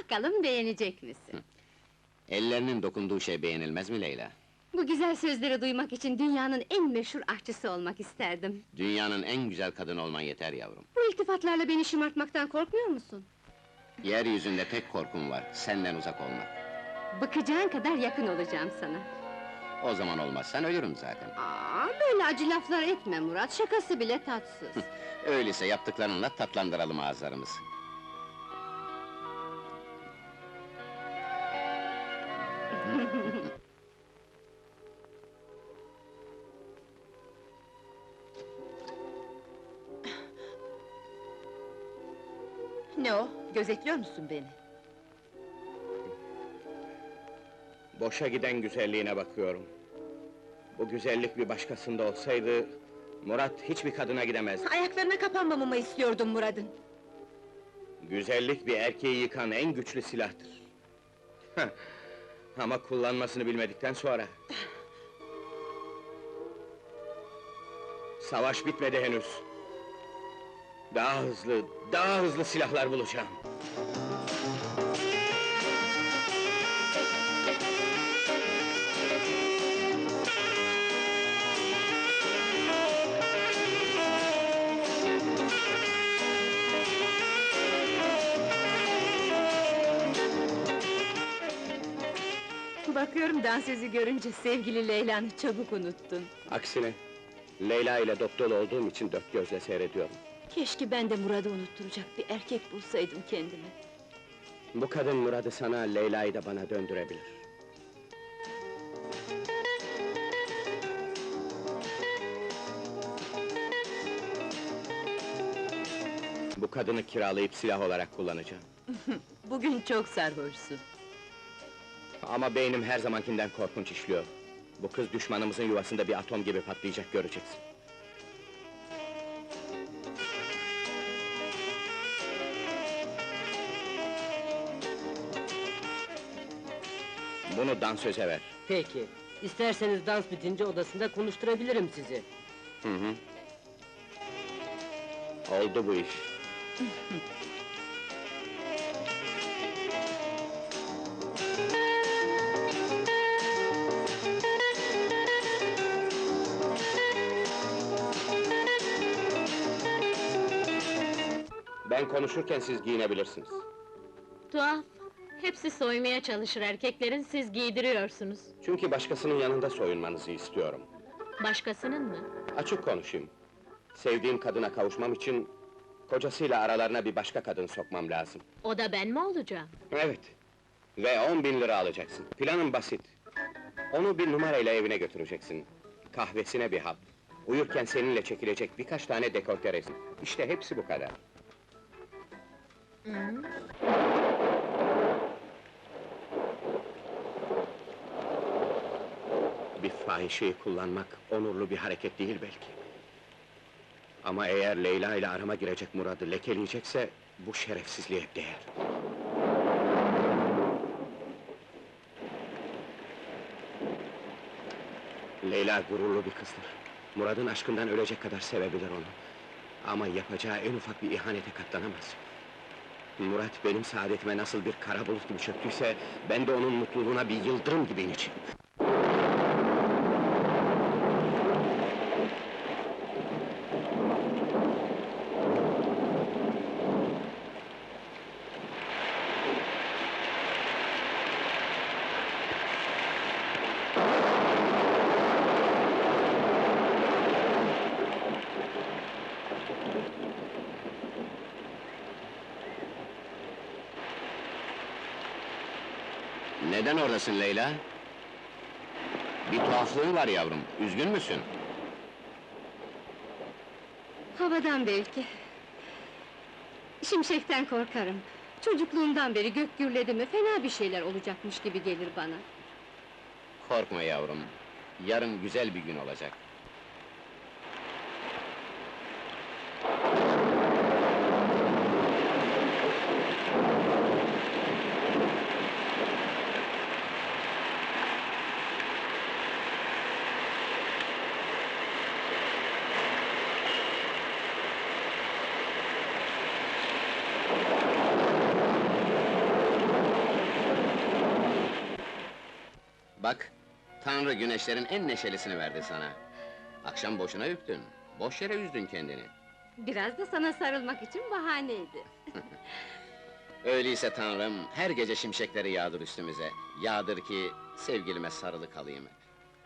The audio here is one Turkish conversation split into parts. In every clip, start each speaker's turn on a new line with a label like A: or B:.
A: Bakalım beğenecek misin?
B: Ellerinin dokunduğu şey beğenilmez mi Leyla?
A: Bu güzel sözleri duymak için dünyanın en meşhur aşçısı olmak isterdim.
B: Dünyanın en güzel kadını olman yeter yavrum.
A: Bu iltifatlarla beni şımartmaktan korkmuyor musun?
B: Yeryüzünde tek korkum var, senden uzak olmak.
A: Bıkacağın kadar yakın olacağım sana.
B: O zaman olmazsan ölürüm zaten.
A: Böyle acı laflar etme Murat, şakası bile tatsız.
B: Öyleyse yaptıklarınla tatlandıralım ağızlarımızı.
C: Ne o? Gözetliyor musun beni?
D: Boşa giden güzelliğine bakıyorum. Bu güzellik bir başkasında olsaydı... Murat hiçbir kadına gidemez.
C: Ayaklarına kapanmamamı istiyordum Murad'ın.
D: Güzellik bir erkeği yıkan en güçlü silahtır. Heh, ama kullanmasını bilmedikten sonra... Savaş bitmedi henüz. Daha hızlı silahlar bulacağım.
C: Bakıyorum dansözü görünce sevgili Leyla'nı çabuk unuttun.
D: Aksine, Leyla ile dop dolu olduğum için dört gözle seyrediyorum.
C: Keşke ben de Murad'ı unutturacak bir erkek bulsaydım kendime.
D: Bu kadın Murad'ı sana, Leyla'yı da bana döndürebilir. Bu kadını kiralayıp silah olarak kullanacağım.
C: Bugün çok sarhoşsun.
D: Ama beynim her zamankinden korkunç işliyor. Bu kız düşmanımızın yuvasında bir atom gibi patlayacak, göreceksin. Bunu dansöze ver.
E: Peki, isterseniz dans bitince odasında konuşturabilirim sizi.
D: Hı hı. Oldu bu iş. Ben konuşurken siz giyinebilirsiniz.
F: Tuhaf, hepsi soymaya çalışır erkeklerin, siz giydiriyorsunuz.
D: Çünkü başkasının yanında soyunmanızı istiyorum.
F: Başkasının mı?
D: Açık konuşayım. Sevdiğim kadına kavuşmam için... ...kocasıyla aralarına bir başka kadın sokmam lazım.
F: O da ben mi olacağım?
D: Evet. Ve 10.000 lira alacaksın. Planım basit. Onu bir numarayla evine götüreceksin. Kahvesine bir hap. Uyurken seninle çekilecek birkaç tane dekolte resim. İşte hepsi bu kadar. Bir fahişeyi kullanmak onurlu bir hareket değil belki. Ama eğer Leyla ile arama girecek Murad'ı lekeleyecekse... ...bu şerefsizliğe değer. Leyla gururlu bir kızdır. Murad'ın aşkından ölecek kadar sevebilir onu. Ama yapacağı en ufak bir ihanete katlanamaz. Murat benim saadetime nasıl bir kara bulut gibi çöktüyse... ...ben de onun mutluluğuna bir yıldırım gibi ineceğim.
B: Neden oradasın Leyla? Bir tuhaflığın var yavrum, üzgün müsün?
A: Havadan belki. Şimşekten korkarım. Çocukluğumdan beri gök gürledi mi fena bir şeyler olacakmış gibi gelir bana.
B: Korkma yavrum, yarın güzel bir gün olacak. Bak, Tanrı güneşlerin en neşelisini verdi sana. Akşam boşuna üptün, boş yere üzdün kendini.
A: Biraz da sana sarılmak için bahaneydi.
B: Öyleyse Tanrım, her gece şimşekleri yağdır üstümüze. Yağdır ki, sevgilime sarılı kalayım hep.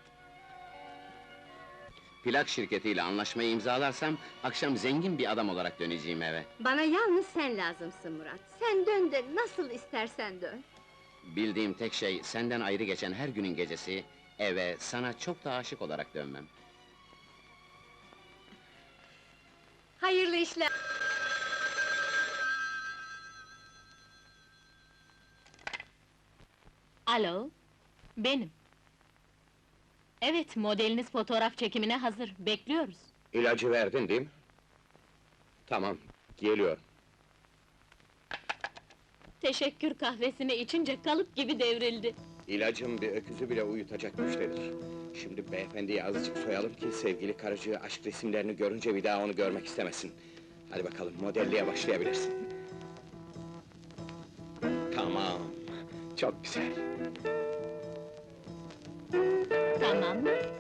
B: Plak şirketiyle anlaşmayı imzalarsam, akşam zengin bir adam olarak döneceğim eve.
A: Bana yalnız sen lazımsın Murat. Sen dön de nasıl istersen dön.
B: Bildiğim tek şey, senden ayrı geçen her günün gecesi, eve, sana çok da aşık olarak dönmem.
A: Hayırlı işler.
F: Alo, benim. Evet, modeliniz fotoğraf çekimine hazır, bekliyoruz.
D: İlacı verdin değil mi? Tamam, geliyorum.
F: Teşekkür kahvesini içince kalıp gibi devrildi.
D: İlacım bir öküzü bile uyutacak güçtedir. Şimdi beyefendiyi azıcık soyalım ki sevgili karıcığı aşk resimlerini görünce bir daha onu görmek istemesin. Hadi bakalım, modelliğe başlayabilirsin. Tamam, çok güzel.
F: Tamam.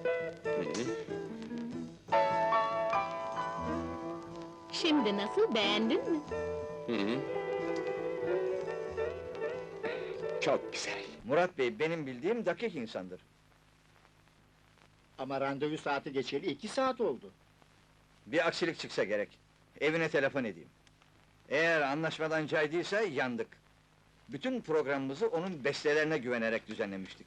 F: Şimdi nasıl, beğendin mi?
D: Hı hı. Çok güzel.
G: Murat Bey, benim bildiğim dakik insandır.
H: Ama randevu saati geçeli 2 saat oldu.
G: Bir aksilik çıksa gerek. Evine telefon edeyim. Eğer anlaşmadan caydıysa yandık. Bütün programımızı onun bestelerine güvenerek düzenlemiştik.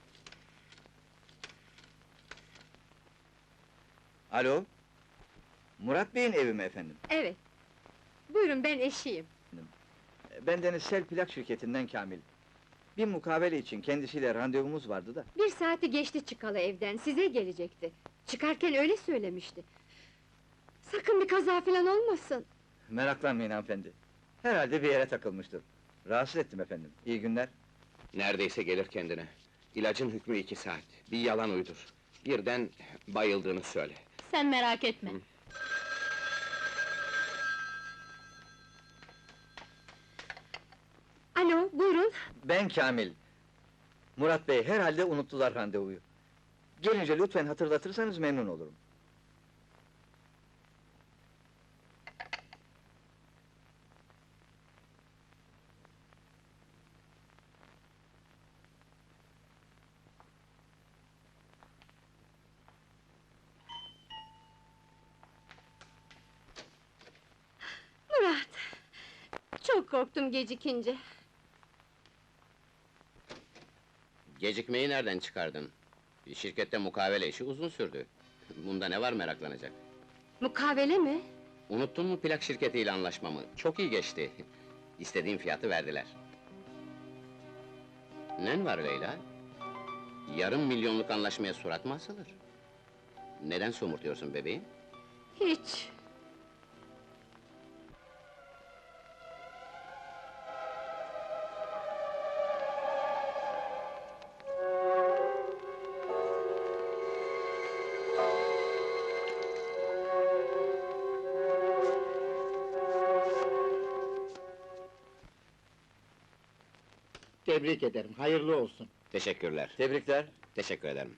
G: Alo? Murat Bey'in evi mi efendim?
A: Evet. Buyurun, ben eşiyim.
G: Bendeniz Sel Plak şirketinden Kamil. Bir mukavele için kendisiyle randevumuz vardı da.
A: 1 saati geçti çıkalı evden, size gelecekti. Çıkarken öyle söylemişti. Sakın bir kaza falan olmasın.
G: Meraklanmayın hanımefendi. Herhalde bir yere takılmıştır. Rahatsız ettim efendim. İyi günler.
D: Neredeyse gelir kendine. İlacın hükmü 2 saat. Bir yalan uydur. Birden bayıldığını söyle.
F: Sen merak etme.
A: Alo, buyurun.
G: Ben Kamil. Murat Bey, herhalde unuttular randevuyu. Gelince lütfen hatırlatırsanız memnun olurum.
A: Murat! Çok korktum gecikince.
B: Gecikmeyi nereden çıkardın? Şirkette mukavele işi uzun sürdü. Bunda ne var meraklanacak?
A: Mukavele mi?
B: Unuttun mu plak şirketiyle anlaşmamı? Çok iyi geçti. İstediğim fiyatı verdiler. Nen var Leyla? Yarım milyonluk anlaşmaya surat mı asılır? Neden somurtuyorsun bebeğim?
A: Hiç.
H: Tebrik ederim, hayırlı olsun.
B: Teşekkürler.
G: Tebrikler.
B: Teşekkür ederim.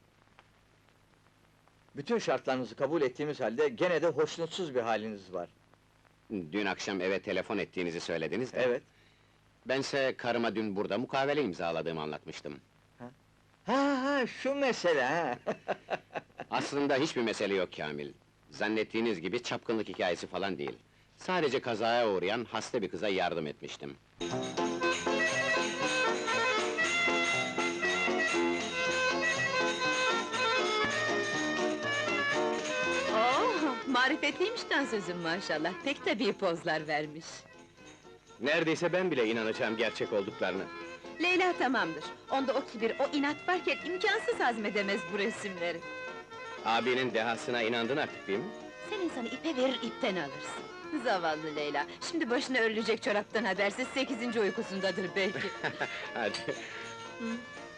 G: Bütün şartlarınızı kabul ettiğimiz halde gene de hoşnutsuz bir haliniz var.
B: Dün akşam eve telefon ettiğinizi söylediniz de.
G: Evet.
B: Bense karıma dün burada mukavele imzaladığımı anlatmıştım.
G: Ha, şu mesele ha.
B: Aslında hiçbir mesele yok Kamil. Zannettiğiniz gibi çapkınlık hikayesi falan değil. Sadece kazaya uğrayan hasta bir kıza yardım etmiştim.
C: Oo, marifetliymiş dansözüm maşallah. Pek tabii pozlar vermiş.
D: Neredeyse ben bile inanacağım gerçek olduklarını.
C: Leyla tamamdır. Onda o kibir, o inat varken imkansız hazmedemez bu resimleri.
D: Abinin dehasına inandın artık değil mi?
C: Sen insanı ipe verir, ipten alırsın. Zavallı Leyla, şimdi başına örülecek çoraptan habersiz 8. uykusundadır belki.
D: Hadi.